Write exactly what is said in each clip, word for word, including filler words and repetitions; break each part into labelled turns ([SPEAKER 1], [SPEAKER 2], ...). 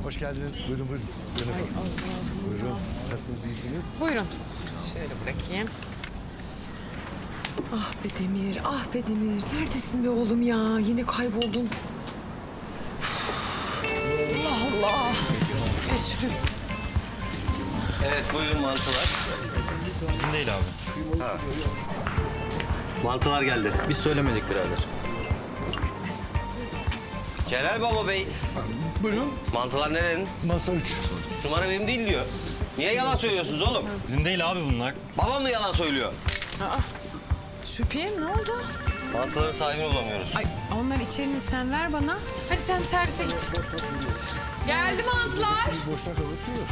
[SPEAKER 1] hoş geldiniz. Buyurun, buyurun. Buyurun efendim. Buyurun. Nasılsınız, iyisiniz?
[SPEAKER 2] Buyurun. Şöyle bırakayım.
[SPEAKER 3] Ah be Demir, ah be Demir. Neredesin be oğlum ya? Yine kayboldun. Allah Allah. Geç şuraya.
[SPEAKER 4] Evet, buyurun mantılar.
[SPEAKER 5] Bizim değil abi.
[SPEAKER 4] Ha. Mantılar geldi.
[SPEAKER 5] Biz söylemedik birader.
[SPEAKER 4] Celal Baba Bey,
[SPEAKER 1] Buyurun.
[SPEAKER 4] mantılar nerenin?
[SPEAKER 1] Masa üç.
[SPEAKER 4] Numara benim değil diyor. Niye yalan söylüyorsunuz oğlum?
[SPEAKER 5] Bizim değil abi bunlar.
[SPEAKER 4] Babam mı yalan söylüyor?
[SPEAKER 2] Şüpheyim ne oldu?
[SPEAKER 4] Mantıların sahibini bulamıyoruz.
[SPEAKER 2] Ay onlar içerini sen ver bana. Hadi sen servise git. Geldi mantılar.
[SPEAKER 1] Boşnak havası yok.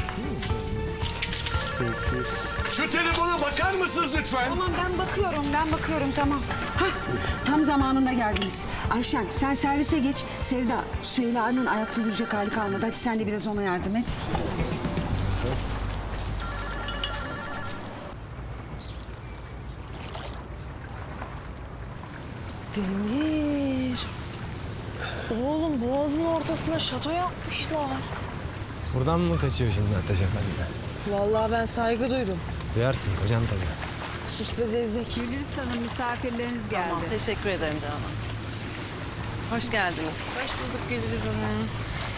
[SPEAKER 1] Şu telefona bakar mısınız lütfen?
[SPEAKER 6] Tamam ben bakıyorum, ben bakıyorum tamam. Hah, tam zamanında geldiniz. Ayşen sen servise geç. Sevda, Süheyla'nın ayakta duracak hali kalmadı. Hadi sen de biraz ona yardım et.
[SPEAKER 3] Demir. Oğlum boğazın ortasına şato yapmışlar.
[SPEAKER 7] Buradan mı kaçıyor şimdi Ateş Efendi?
[SPEAKER 3] Vallahi ben saygı duydum.
[SPEAKER 7] Duyarsın kocan tabii.
[SPEAKER 3] Sus be zevzek.
[SPEAKER 8] Gülriz Hanım misafirleriniz geldi.
[SPEAKER 9] Tamam, teşekkür ederim Canan. Hoş geldiniz.
[SPEAKER 2] Hoş bulduk Gülriz Hanım.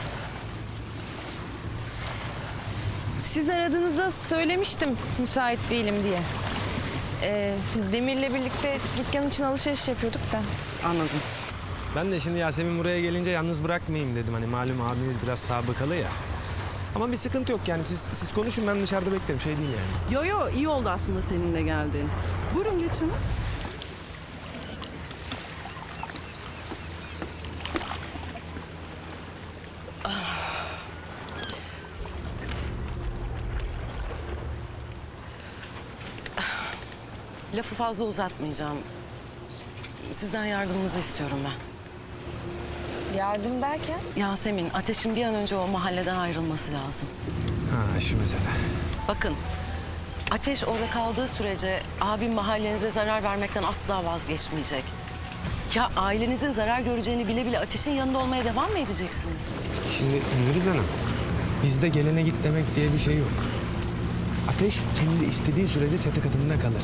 [SPEAKER 2] Siz aradığınızda söylemiştim müsait değilim diye. Ee, Demir'le birlikte dükkan için alışveriş yapıyorduk da.
[SPEAKER 9] Anladım.
[SPEAKER 7] Ben de şimdi Yasemin buraya gelince yalnız bırakmayayım dedim. Hani malum abiniz biraz sabıkalı ya. Ama bir sıkıntı yok yani siz siz konuşun ben dışarıda beklerim şey değil yani.
[SPEAKER 9] Yo yo iyi oldu aslında seninle geldiğin. Buyurun geçin. Lafı fazla uzatmayacağım. Sizden yardımınızı istiyorum ben.
[SPEAKER 2] Yardım derken?
[SPEAKER 9] Yasemin, Ateş'in bir an önce o mahalleden ayrılması lazım.
[SPEAKER 7] Ha şu mesele.
[SPEAKER 9] Bakın, Ateş orada kaldığı sürece abim mahallenize zarar vermekten asla vazgeçmeyecek. Ya ailenizin zarar göreceğini bile bile Ateş'in yanında olmaya devam mı edeceksiniz?
[SPEAKER 7] Şimdi Gülriz Hanım bizde gelene git demek diye bir şey yok. Ateş kendi istediği sürece çatı katında kalır.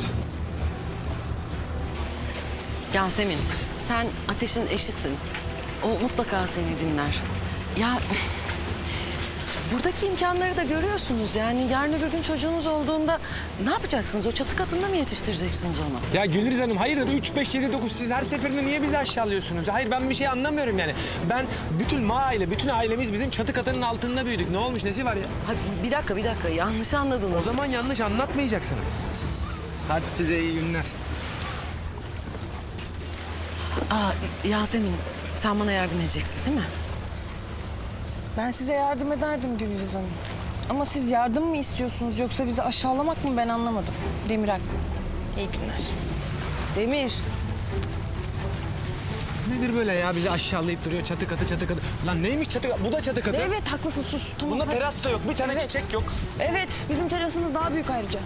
[SPEAKER 9] Yasemin, sen Ateş'in eşisin. O mutlaka seni dinler. Ya buradaki imkanları da görüyorsunuz. Yani yarın öbür gün çocuğunuz olduğunda ne yapacaksınız? O çatı katında mı yetiştireceksiniz onu?
[SPEAKER 7] Ya Gülriz Hanım hayırdır üç, beş, yedi, dokuz siz her seferinde niye bizi aşağılıyorsunuz? Hayır ben bir şey anlamıyorum yani. Ben bütün ma aile, bütün ailemiz bizim çatı katının altında büyüdük. Ne olmuş nesi var ya?
[SPEAKER 9] Ha, bir dakika, bir dakika. Yanlış anladınız.
[SPEAKER 7] O zaman yanlış anlatmayacaksınız. Hadi size iyi günler.
[SPEAKER 9] Aa, Yasemin, sen bana yardım edeceksin değil mi?
[SPEAKER 2] Ben size yardım ederdim Gülriz Hanım. Ama siz yardım mı istiyorsunuz yoksa bizi aşağılamak mı ben anlamadım. Demir haklı. İyi günler. Demir.
[SPEAKER 7] Nedir böyle ya bizi aşağılayıp duruyor çatı katı çatı katı. Lan neymiş çatı katı? Bu da çatı katı.
[SPEAKER 2] Evet haklısın sus. Tamam.
[SPEAKER 7] Bunda
[SPEAKER 2] hadi.
[SPEAKER 7] teras da yok. Bir tane
[SPEAKER 2] Evet.
[SPEAKER 7] çiçek yok.
[SPEAKER 2] Evet bizim terasımız daha büyük ayrıca.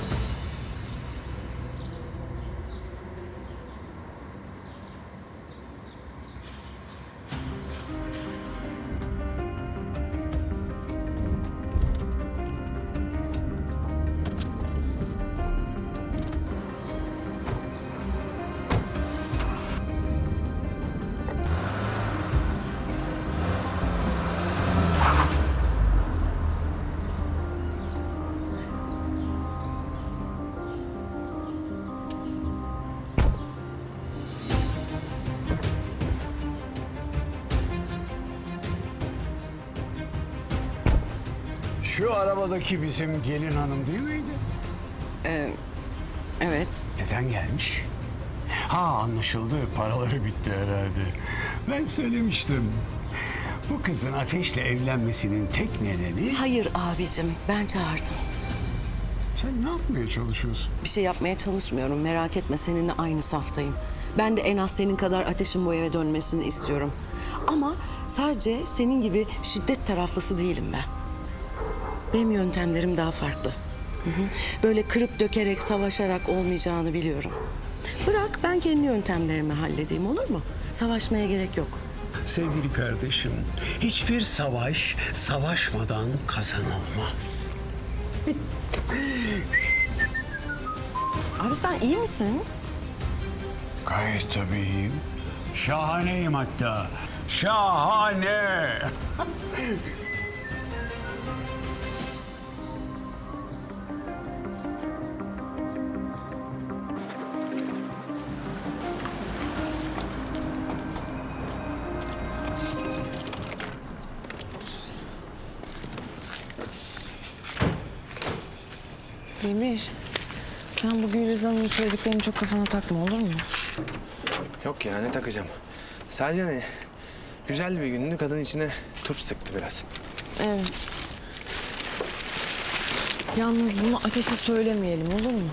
[SPEAKER 10] Şu arabadaki bizim gelin hanım değil miydi?
[SPEAKER 9] Ee, evet.
[SPEAKER 10] Neden gelmiş? Ha anlaşıldı. Paraları bitti herhalde. Ben söylemiştim. Bu kızın Ateş'le evlenmesinin tek nedeni...
[SPEAKER 9] Hayır abicim, ben çağırdım.
[SPEAKER 10] Sen ne yapmaya çalışıyorsun?
[SPEAKER 9] Bir şey yapmaya çalışmıyorum. Merak etme, seninle aynı saftayım. Ben de en az senin kadar Ateş'in bu eve dönmesini istiyorum. Ama sadece senin gibi şiddet taraflısı değilim ben. Benim yöntemlerim daha farklı. Hı hı. Böyle kırıp dökerek, savaşarak olmayacağını biliyorum. Bırak ben kendi yöntemlerimi halledeyim, olur mu? Savaşmaya gerek yok.
[SPEAKER 10] sevgili kardeşim, hiçbir savaş savaşmadan kazanılmaz.
[SPEAKER 9] Abi sen iyi misin?
[SPEAKER 10] Gayet tabii. Şahaneyim hatta. Şahane.
[SPEAKER 2] Demir, sen bu Gülriz Hanım'ın söylediklerini çok kafana takma olur mu?
[SPEAKER 7] Yok ya ne takacağım. Sadece hani güzel bir gündü, kadın içine turp sıktı biraz.
[SPEAKER 2] Evet. Yalnız bunu Ateş'e söylemeyelim olur mu?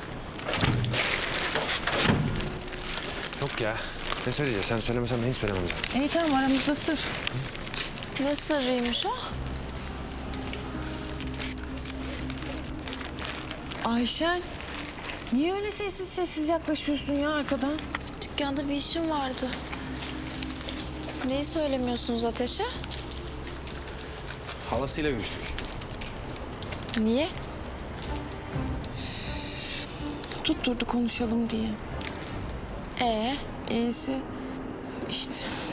[SPEAKER 7] Yok ya. Ne söyleyeceğiz? Sen söylemesen ben hiç söylemem zaten.
[SPEAKER 2] İyi tamam aramızda sır.
[SPEAKER 11] Ne sırrıymış o?
[SPEAKER 2] Ayşen, niye öyle sessiz sessiz yaklaşıyorsun ya arkadan?
[SPEAKER 11] Dükkanda bir işim vardı. Neyi söylemiyorsunuz Ateş'e?
[SPEAKER 7] Halasıyla görüştük.
[SPEAKER 11] Niye?
[SPEAKER 2] Tutturdu konuşalım diye.
[SPEAKER 11] Ee,
[SPEAKER 2] İyisi işte.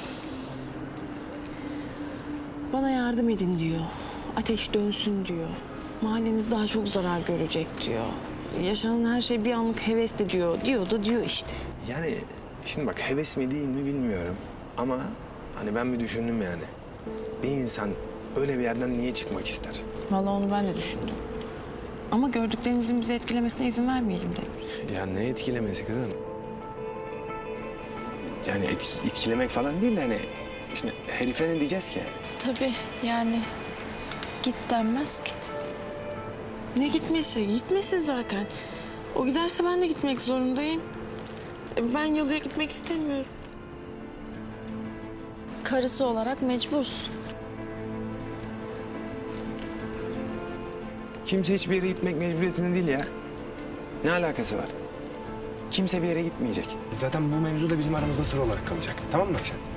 [SPEAKER 2] Bana yardım edin diyor. Ateş dönsün diyor. Mahalleniz daha çok zarar görecek diyor. Yaşanan her şey bir anlık hevesli diyor. Diyor da diyor işte.
[SPEAKER 7] Yani şimdi bak heves mi değil mi bilmiyorum. Ama hani ben bir düşündüm yani. Bir insan öyle bir yerden niye çıkmak ister?
[SPEAKER 2] Vallahi onu ben de düşündüm. Ama gördüklerimizin bizi etkilemesine izin vermeyelim Demir.
[SPEAKER 7] Ya ne etkilemesi kızım? Yani et, etkilemek falan değil de hani... Şimdi herife ne diyeceğiz ki?
[SPEAKER 11] tabii yani git denmez ki.
[SPEAKER 2] Ne gitmesi? Gitmesin zaten. O giderse ben de gitmek zorundayım. E, Ben yalıya gitmek istemiyorum.
[SPEAKER 11] Karısı olarak mecbursun.
[SPEAKER 7] Kimse hiçbir yere gitmek mecburiyetinde değil ya. Ne alakası var? Kimse bir yere gitmeyecek. Zaten bu mevzu da bizim aramızda sır olarak kalacak. Tamam mı Ayşen?